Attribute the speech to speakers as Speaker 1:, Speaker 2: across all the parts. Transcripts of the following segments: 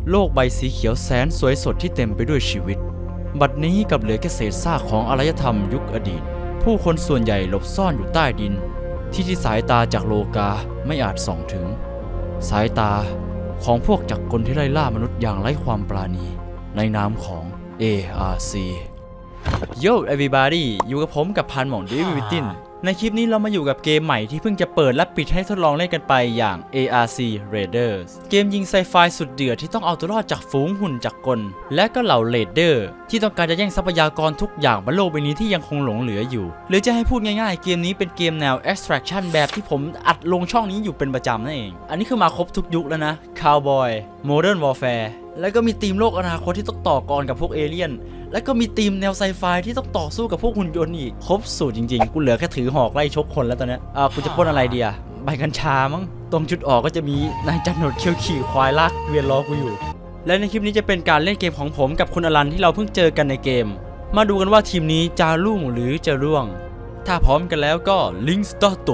Speaker 1: โลกใบสีเขียวแสนสวยสดที่เต็มไปด้วยชีวิตบัดนี้กลับเหลือแค่เศษซากของอารยธรรมยุคอดีตผู้คนส่วนใหญ่หลบซ่อนอยู่ใต้ดินที่สายตาจากโลกาไม่อาจส่องถึงสายตาของพวกจักรกลที่ไล่ล่ามนุษย์อย่างไร้ความปราณีในนามของ ARC Yo everybody อยู่กับผมกับพันหม่องเดวิดวิตินในคลิปนี้เรามาอยู่กับเกมใหม่ที่เพิ่งจะเปิดและปิดให้ทดลองเล่นกันไปอย่าง ARC Raiders เกมยิงไซไฟสุดเดือดที่ต้องเอาตัวรอดจากฝูงหุ่นจักรกลและก็เหล่าเรดเดอร์ที่ต้องการจะแย่งทรัพยากรทุกอย่างบนโลกใบนี้ที่ยังคงหลงเหลืออยู่หรือจะให้พูดง่ายๆเกมนี้เป็นเกมแนว Extraction แบบที่ผมอัดลงช่องนี้อยู่เป็นประจำนั่นเองอันนี้คือมาครบทุกยุคแล้วนะ Cowboy Modern Warfare แล้วก็มีธีมโลกอนาคตที่ต้องต่อกรกับพวกเอเลี่ยนแล้วก็มีธีมแนวไซไฟที่ต้องต่อสู้กับพวกหุ่นยนต์อีกครบสูตรจริงๆกูเหลือแค่ถือหอกไล่ชกคนแล้วตอนนี้กูจะปล้นอะไรดีอะใบกัญชามั้งตรงจุดออกก็จะมีนายจันหนวดเขี้ยวขี่ควายลากเวียนล้อกูอยู่และในคลิปนี้จะเป็นการเล่นเกมของผมกับคุณอลันที่เราเพิ่งเจอกันในเกมมาดูกันว่าทีมนี้จะรุ่งหรือจะร่วงถ้าพร้อมกันแล้วก็ลิงสตาร์ท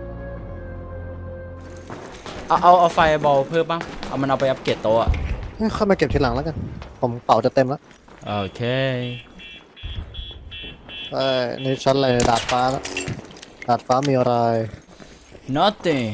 Speaker 1: เอาไฟบอลเพิ่มบ้างเอามันเอาไปอัปเกรดโต๊ะ
Speaker 2: เข้ามาเก็บทีหลังแล้วกันผมเป่าจะเต็มแล้ว
Speaker 1: โอเค
Speaker 2: นี่ชั้นอะไรดาดฟ้าแล้วดาดฟ้ามีอะไร
Speaker 1: nothing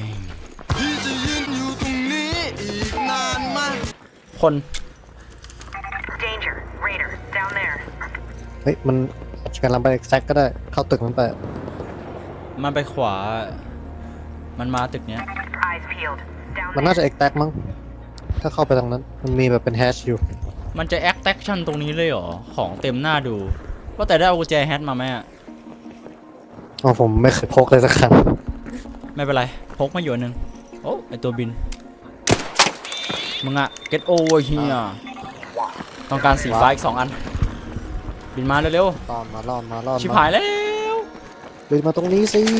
Speaker 1: คน
Speaker 3: Danger, Raider, down there.
Speaker 2: เฮ้ยมันกำลังไปแซกก็ได้เข้าตึกมันไป
Speaker 1: มันไปขวามันมาตึกเนี้ย
Speaker 3: Eyes peeled. Down
Speaker 2: มันน่าจะเอ็กแท็กมั้งถ้าเข้าไปทางนั้นมันมีแบบเป็นแฮชอยู่
Speaker 1: มันจะแอคแท็กชั่นตรงนี้เลยเหรอของเต็มหน้าดูว่าแต่ได้เอากุญแจแฮชมาไหมอะ
Speaker 2: อ๋อผมไม่เคยพกเลยสักครั้ง
Speaker 1: ไม่เป็นไรพกมาอยู่นึงโอ้ไอตัวบินมึงอะ get over here ต้องการสีฟ้าอีก2 อันบินมาเร็ว
Speaker 2: ตอนมาล่อนมาล่อน
Speaker 1: ๆชิบหายแล้ว
Speaker 2: บินมาตรงนี้สิ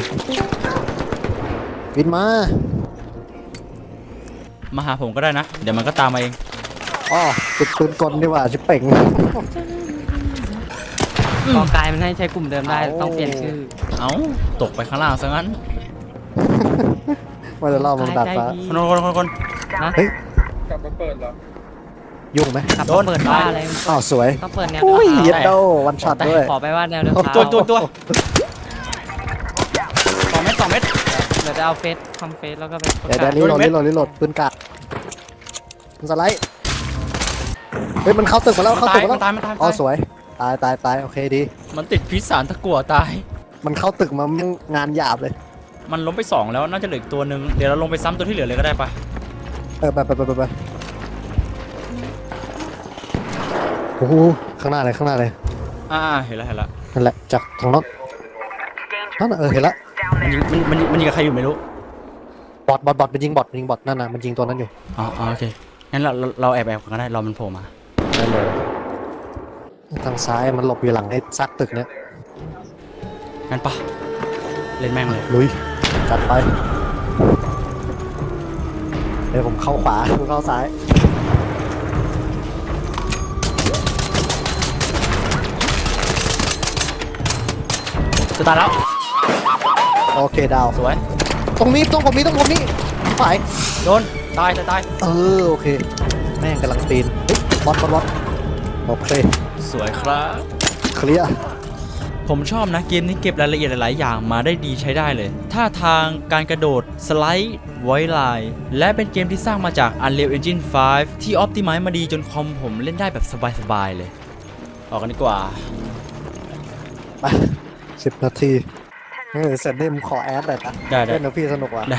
Speaker 2: บินมา
Speaker 1: มาหาผมก็ได้นะเดี๋ยวมันก็ตามมาเอง
Speaker 2: อ๋อติดปืนกลดีกว่าชิบเป่ง
Speaker 4: กอกายมันให้ใช้กลุ่มเดิมได้ต้องเปลี่ยนชื่อ
Speaker 1: เอ้าตกไปข้างล่างซะงั้น
Speaker 2: ว่าจะล่อมันดาดฟ้า
Speaker 1: คน
Speaker 4: นะ
Speaker 2: เฮ้ย
Speaker 5: กลับมาเปิดเหรอ
Speaker 2: ยุ่งไหม
Speaker 4: ขับเปิดบ้าอะไร
Speaker 2: อ้าวสวย
Speaker 4: ต้องเปิดแนว
Speaker 2: อุ้ย
Speaker 4: เดิ
Speaker 2: เย็
Speaker 4: ม
Speaker 2: ดโดวันช็อตด้วย
Speaker 4: ขอไปว่าแนวเดิม
Speaker 1: ตัว2 เม็ด
Speaker 4: เดี๋ยวจะเอาเฟซทำเฟซแล้วก็ไปประ
Speaker 2: เดี๋ยว
Speaker 4: กาศ
Speaker 2: รีโหลดปืนกาดมันสไลด์เฮ้ยมันเข้าตึกมาแล้วเข้าตึกมาแล้ว
Speaker 1: มันตาย
Speaker 2: อ๋อสวยตายโอเคดี
Speaker 1: มันติดพิษสารตะกั่วตาย
Speaker 2: มันเข้าตึกมามันงานหยาบเลย
Speaker 1: มันล้มไป2แล้วน่าจะเหลืออีกตัวหนึ่งเดี๋ยวเราลงไปซ้ำตัวที่เหลือเลยก็ได้ปะ
Speaker 2: ไปโอ้โหข้างหน้าเลย
Speaker 1: เห็นแล้ว
Speaker 2: นั่นแหละจากทางโน้น
Speaker 3: Danger.
Speaker 2: นั่นน่ะเห็นละ
Speaker 3: Down
Speaker 1: มันยิง
Speaker 3: there.
Speaker 1: มันยิงกับใครอยู่ไม่รู้
Speaker 2: บอทมันยิงบอทนั่นน่ะมันยิงตัวนั้นอยู่
Speaker 1: อ๋อโอเคงั้นเราแอบกันก็ได้รอมันโผล่มา
Speaker 2: ได้เลยทางซ้ายมันหลบอยู่หลังไอ้ซักตึกเนี้ย
Speaker 1: งั้นปะเล่นแม่งเลย
Speaker 2: ลุยจัดไปเดี๋ยวผมเข้าขวาคุณเข้าซ้าย
Speaker 1: จะตายแล้ว
Speaker 2: โอเคดาว
Speaker 1: สวย
Speaker 2: ตรงผมนี้ไป
Speaker 1: โดนตาย
Speaker 2: โอเคแม่งกำลังปีนเฮ้ยบอทโอเค
Speaker 1: สวยครับ
Speaker 2: เคลียร์
Speaker 1: ผมชอบนะเกมนี้เก็บรายละเอียดหลายๆอย่างมาได้ดีใช้ได้เลยท่าทางการกระโดดสไลด์ไวไลน์และเป็นเกมที่สร้างมาจาก Unreal Engine 5 ที่ออ t ติไมซ์มาดีจนคอมผมเล่นได้แบบสบายๆเลยออกกันดีกว่า
Speaker 2: ไป10 นาทีเสร็จนี่ผมขอแอดหน่อยนะ
Speaker 1: ได้
Speaker 2: เล่นนะพี่สนุกว่ะ
Speaker 1: ได้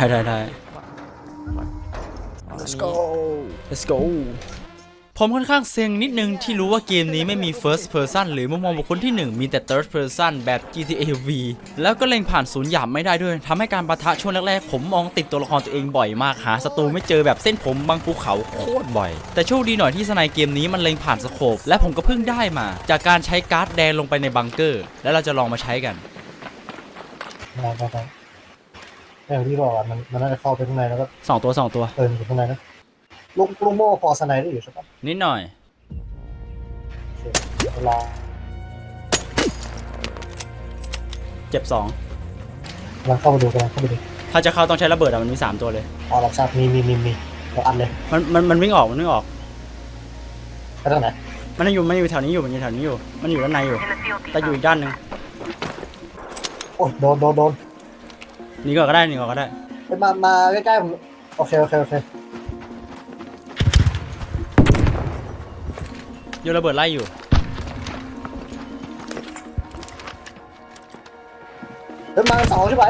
Speaker 2: let's go
Speaker 1: let's go ผมค่อนข้างเซ็งนิดนึงที่รู้ว่าเกมนี้ไม่มี first person หรือมุมมองบุคคลที่ 1 มีแต่ third person แบบ GTA V แล้วก็เล็งผ่านศูนย์หยาบไม่ได้ด้วยทำให้การปะทะช่วงแรกๆผมมองติดตัวละครตัวเองบ่อยมากหาศัตรูไม่เจอแบบเส้นผมบางภูเขาโคตรบ่อยแต่โชคดีหน่อยที่สไนเกมนี้มันเล็งผ่านสโคปและผมก็เพิ่งได้มาจากการใช้การ์ดแดงลงไปในบังเกอร์แล้วเราจะลองมาใช้กัน
Speaker 2: ได้อย่างที่บอกอ่ะมันน่าจะเข้าไปข้างในแล้วก็
Speaker 1: 2 ตัว
Speaker 2: อยู่ข้างในนะลูกโม่พอสไนได้อยู่ใช่ปะ
Speaker 1: นิดหน่อย
Speaker 2: เวลา
Speaker 1: เจ็บ
Speaker 2: กำลังเข้าไปดู
Speaker 1: 2ถ้าจะเข้าต้องใช้ระเบิดมันมี3 ตัวเลย
Speaker 2: รับทราบมีเราอัดเลย
Speaker 1: มันวิ่งออก
Speaker 2: ทางไหน
Speaker 1: มันอยู่แถวนี้อยู่มันอยู่แถวนี้อยู่มันอยู่ด้านในอยู่
Speaker 3: In the field
Speaker 1: แต่อยู่
Speaker 3: depot.
Speaker 1: อีกด้านหนึ่ง
Speaker 2: โอ้ยโดน
Speaker 1: หนีก่อนก็ได้หนีก่อนก็ได้
Speaker 2: ไปมาใกล้ๆผมโอเค
Speaker 1: โยนระเบิดไล่อยู่
Speaker 2: เดินมาสองใช่ไหม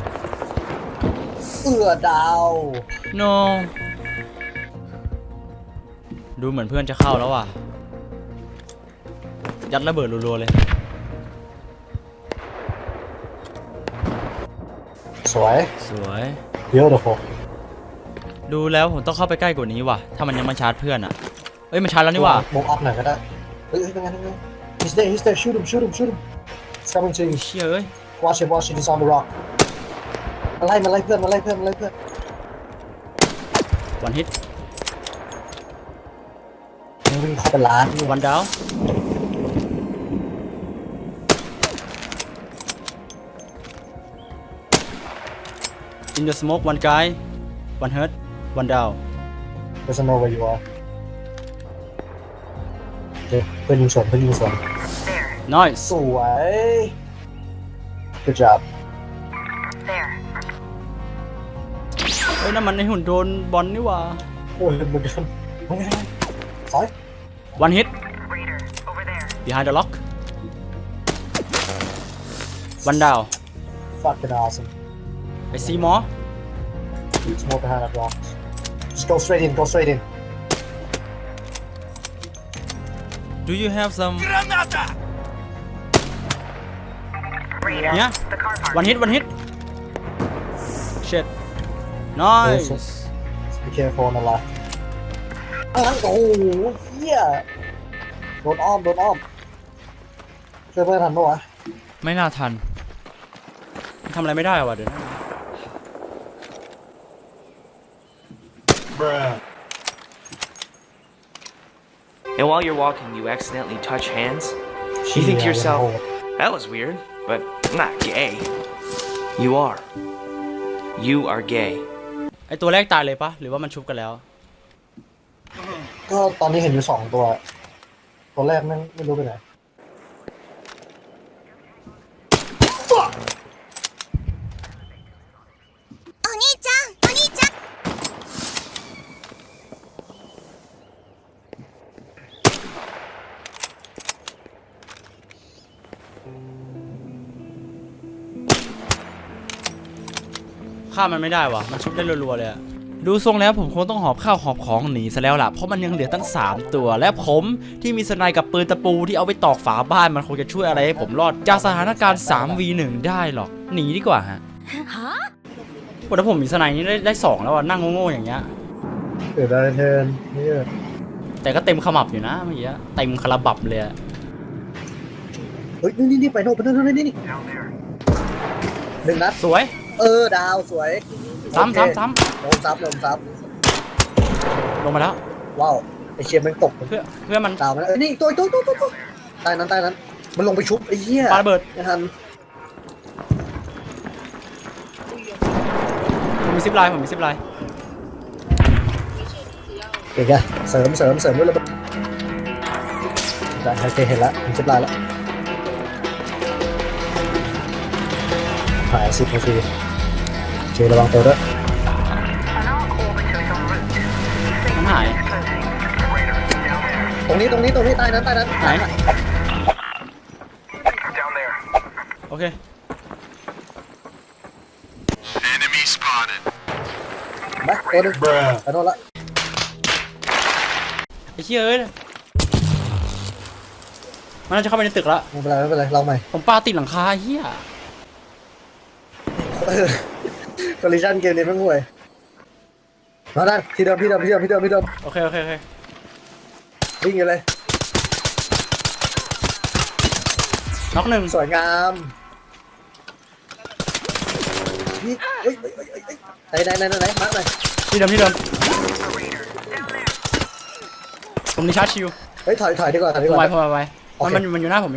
Speaker 2: ดาว
Speaker 1: no ดูเหมือนเพื่อนจะเข้าแล้วว่ะยัดระเบิดรัวๆเลย
Speaker 2: สวย
Speaker 1: สวย
Speaker 2: beautiful
Speaker 1: ดูแล้วผมต้องเข้าไปใกล้กว่านี้ว่ะถ้ามันยังมาชาร์จเพื่อนอ่ะเอ้ยมันชาร์จแล้วนี่ว่ะ
Speaker 2: มุมอัพหน่อยก็ได้เฮ้ยเป็นไงhe's there shoot him it's coming to you
Speaker 1: เชี่ยเอ้ย
Speaker 2: watch him he's on the rock มาไล่เพื่อน
Speaker 1: วันฮิต
Speaker 2: มึงวิ่งเข้าไปร้าน
Speaker 1: วันดาว in the smoke one guy one hurt one down
Speaker 2: doesn't know where you are โอเคเพื่อนยิงสวน
Speaker 3: There.
Speaker 1: nice
Speaker 2: สวย good job
Speaker 3: There.
Speaker 1: เอ้ยนั่นมันในหุ่นโดนบอลนี่ว่ะ
Speaker 2: โอ้ยมึงโดนสอย
Speaker 1: one hit
Speaker 3: Raider. Over there.
Speaker 1: behind the lock one down
Speaker 2: fucking awesome
Speaker 1: I see more
Speaker 2: it's more behind that rock just go straight in
Speaker 1: do you have some
Speaker 3: Raider.
Speaker 1: yeah
Speaker 3: The car park.
Speaker 1: one hit shit nice
Speaker 2: be careful on the left โอ้โหเฮียโดนอ้อมช่วยเพื่อนทันปะวะ
Speaker 1: ไม่น่าทันทำอะไรไม่ได้ว่ะเดี๋ยวนะ
Speaker 5: And while you're walking, you accidentally touch hands. You think to yourself, that was weird, but I'm not gay. You are. You are gay.
Speaker 1: ไอตัวแรกตายเลยปะหรือว่ามันชุบกันแล้ว
Speaker 2: ก็ตอนนี้เห็นอยู่2ตัวตัวแรกนั่งไม่รู้ไปไหน
Speaker 1: ฆ่ามันไม่ได้วะมันชุบได้รัวๆเลยอะดูทรงแล้วผมคงต้องหอบข้าวหอบของหนีซะแล้วล่ะเพราะมันยังเหลือตั้ง3ตัวและผมที่มีสไนกับปืนตะปูที่เอาไปตอกฝาบ้านมันคงจะช่วยอะไรให้ผมรอดจากสถานการณ์ 3v1 ได้หรอกหนีดีกว่าฮะโอ้ถ้าผมมีสไนนี่ได้2แล้วอะนั่งโง่ๆอย่างเงี้ย
Speaker 2: เกิดอะไรเทินนี่
Speaker 1: แต่ก็เต็มขมับอยู่นะเมื่อกี้เต็มคาราบับเลยอะ
Speaker 2: เฮ้ยนี่ไปโน่นนี่
Speaker 3: Down there.
Speaker 2: หนึ่งนัด
Speaker 1: สวย
Speaker 2: ดาวสวย
Speaker 1: ซ้ำ
Speaker 2: โอเค
Speaker 1: ซ้ำ
Speaker 2: โดนซับ
Speaker 1: ลงมาแล้ว
Speaker 2: ว้าวไอเชียมันตก
Speaker 1: เพื่อมัน
Speaker 2: ดาวมันนี่ตัวใต้นั้นมันลงไปชุบไอ้เหี้ย
Speaker 1: ปาระเบิด
Speaker 2: ไม่ทัน
Speaker 1: ผมมีซิปไลน์
Speaker 2: เก่งอะเสริมด้วยระเบิดได้โอเคเห็นแล้วผมเช็ดลายแล้วหาย10 นาทีเจระวังตัวด้วย
Speaker 3: An arc orbiter en route.
Speaker 1: มันหาย
Speaker 3: Closing. Raider. Down there.
Speaker 2: ตรงนี้ใต้นั้น
Speaker 1: ไหน
Speaker 3: Down there.
Speaker 1: โอเค
Speaker 2: มาตัวนึงไปโน่นละ
Speaker 1: ไอ้เชี่ยเอ้ยมันน่าจะเข้าไปในตึกแล้ว
Speaker 2: ไม่เป็นไรเราใหม่
Speaker 1: ผมปาติดหลังคาเฮีย
Speaker 2: คอลลิชั่นเกมนี้ไม่ห่วยมาด้านที่เดิม
Speaker 1: โอเค
Speaker 2: วิ่งอยู่เลย
Speaker 1: น็อกหนึ่ง
Speaker 2: สวยงามนี่เฮ้ยไหนมาหน่อย
Speaker 1: ที่เดิม
Speaker 3: Raider. Down there.
Speaker 1: ผมนี่ชาร์จชิว
Speaker 2: เฮ้ยถอยดีกว่า
Speaker 1: ผมไวมันอยู่หน้าผม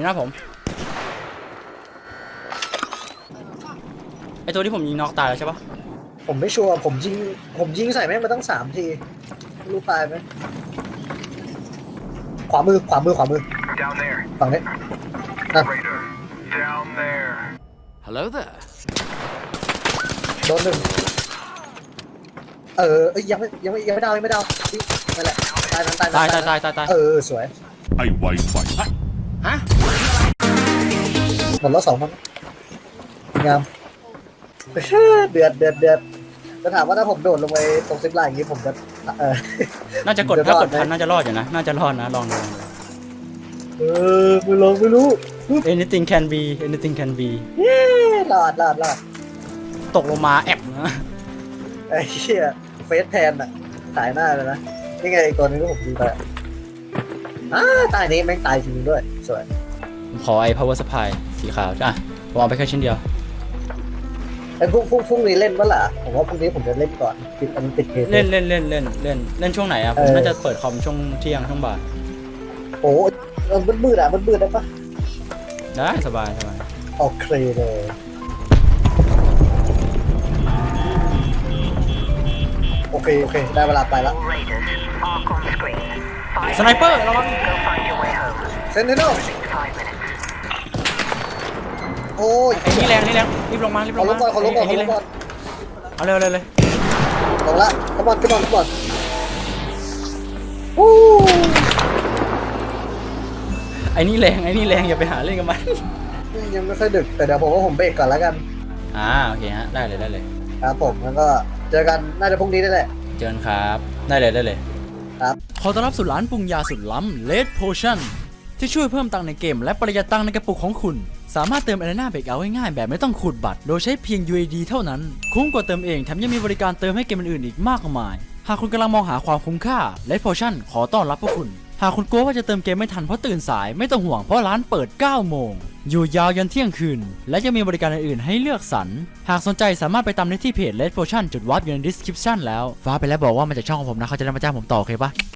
Speaker 1: ไอตัวที่ผมยิงน็อกตายแล้วใช่ปะ
Speaker 2: ผมไม่ชัวร์ผมยิงใส่แม่งมาตั้ง3 ทีไม่รู้ตายไหมขวามือ
Speaker 3: Down there.
Speaker 2: ฝั่งนี้อ่ะ
Speaker 3: Raider. Down there.
Speaker 1: Hello there
Speaker 2: โดนหนึ่งเอ้ยยังไม่ดาวนี่นั่นแหละตายนั้น
Speaker 1: ตาย
Speaker 2: สวย
Speaker 6: ไอ้ไวไฟ
Speaker 2: หมดแล้ว2มันงามเดือดจะถามว่าถ้าผมโดดลงไปตรงซิปไลน์อย่างนี้ผมจะ
Speaker 1: น่าจะกด
Speaker 2: เดี๋ยว
Speaker 1: ถ้าก
Speaker 2: รอ
Speaker 1: ด
Speaker 2: ดไหม
Speaker 1: ทันน่าจะรอดอยู่นะ น่าจะรอดนะ ลองดู
Speaker 2: ไม่รู้
Speaker 1: anything can be
Speaker 2: รอด
Speaker 1: ตกลงมาแอบนะ
Speaker 2: ไอ้เหี้ยเฟสแทนอะสายหน้าเลยนะนี่ไงอีกตัวนึงที่ผมดูไปตายนี้แม่งตายจริงด้วยสวย
Speaker 1: ผมขอไอ้ power supply สีขาวอ่ะผมเอาไปแค่ชิ้นเดียว
Speaker 2: ไอ้พรุ่งนี้เล่นปะล่ะผมว่าพรุ่งนี้ผมจะเล่นก่อนติดเกม
Speaker 1: เล่นช่วงไหนอ่ะ ผมน่าจะเปิดคอมช่วงเที่ยงช่วงบ่าย
Speaker 2: โอ้มันมืดได้ปะ
Speaker 1: ได้สบาย
Speaker 2: โอเคเลยโอเคได้เวลาไปละ
Speaker 3: All Raiders. Arc on screen.
Speaker 1: สไนเปอร์ระวัง
Speaker 3: Go find your way home.
Speaker 2: เซนเทนโน
Speaker 3: 5 minutes.
Speaker 2: โอ้ย
Speaker 1: ไอ้นี่แรงรีบลงมา
Speaker 2: ขอลงก่อน
Speaker 1: เอาเร็วเลย
Speaker 2: ลงละขบอนวู้
Speaker 1: ไอ้นี่แรงอย่าไปหาเล่นกับมัน
Speaker 2: ยังไม่ค่อยดึกแต่เดี๋ยวผมเบรกก่อนแล้วกัน
Speaker 1: โอเคฮะได้เลย
Speaker 2: ครับผมแล้วก็เจอกันน่าจะพรุ่งนี้ได้แหละ
Speaker 1: เจอกันครับได้เลย
Speaker 2: ครับ
Speaker 1: ขอต้อนรับสู่ร้านปรุงยาสุดล้ำ Red Potion ที่ช่วยเพิ่มตังค์ในเกมและประหยัดตังค์ในกระปุกของคุณ สามารถเติม Arena Breakout ง่ายๆแบบไม่ต้องขูดบัตร โดยใช้เพียง UAD เท่านั้น คุ้มกว่าเติมเองแถมยังมีบริการเติมให้เกมอื่นๆอีกมากมาย หากคุณกำลังมองหาความคุ้มค่า Red Potion ขอต้อนรับพวกคุณ หากคุณกลัวว่าจะเติมเกมไม่ทันเพราะตื่นสายไม่ต้องห่วงเพราะร้านเปิด 9 โมง อยู่ยาวยันเที่ยงคืน และยังมีบริการอื่นๆให้เลือกสรร หากสนใจสามารถไปตามได้ที่เพจ Red Potion จุดวาร์ปอยู่ใน description แล้วฟ้าไปแล้วบอกว่ามาจากช่องของผมนะเขาจะได้มาจ้างผมต่อโอเคปะ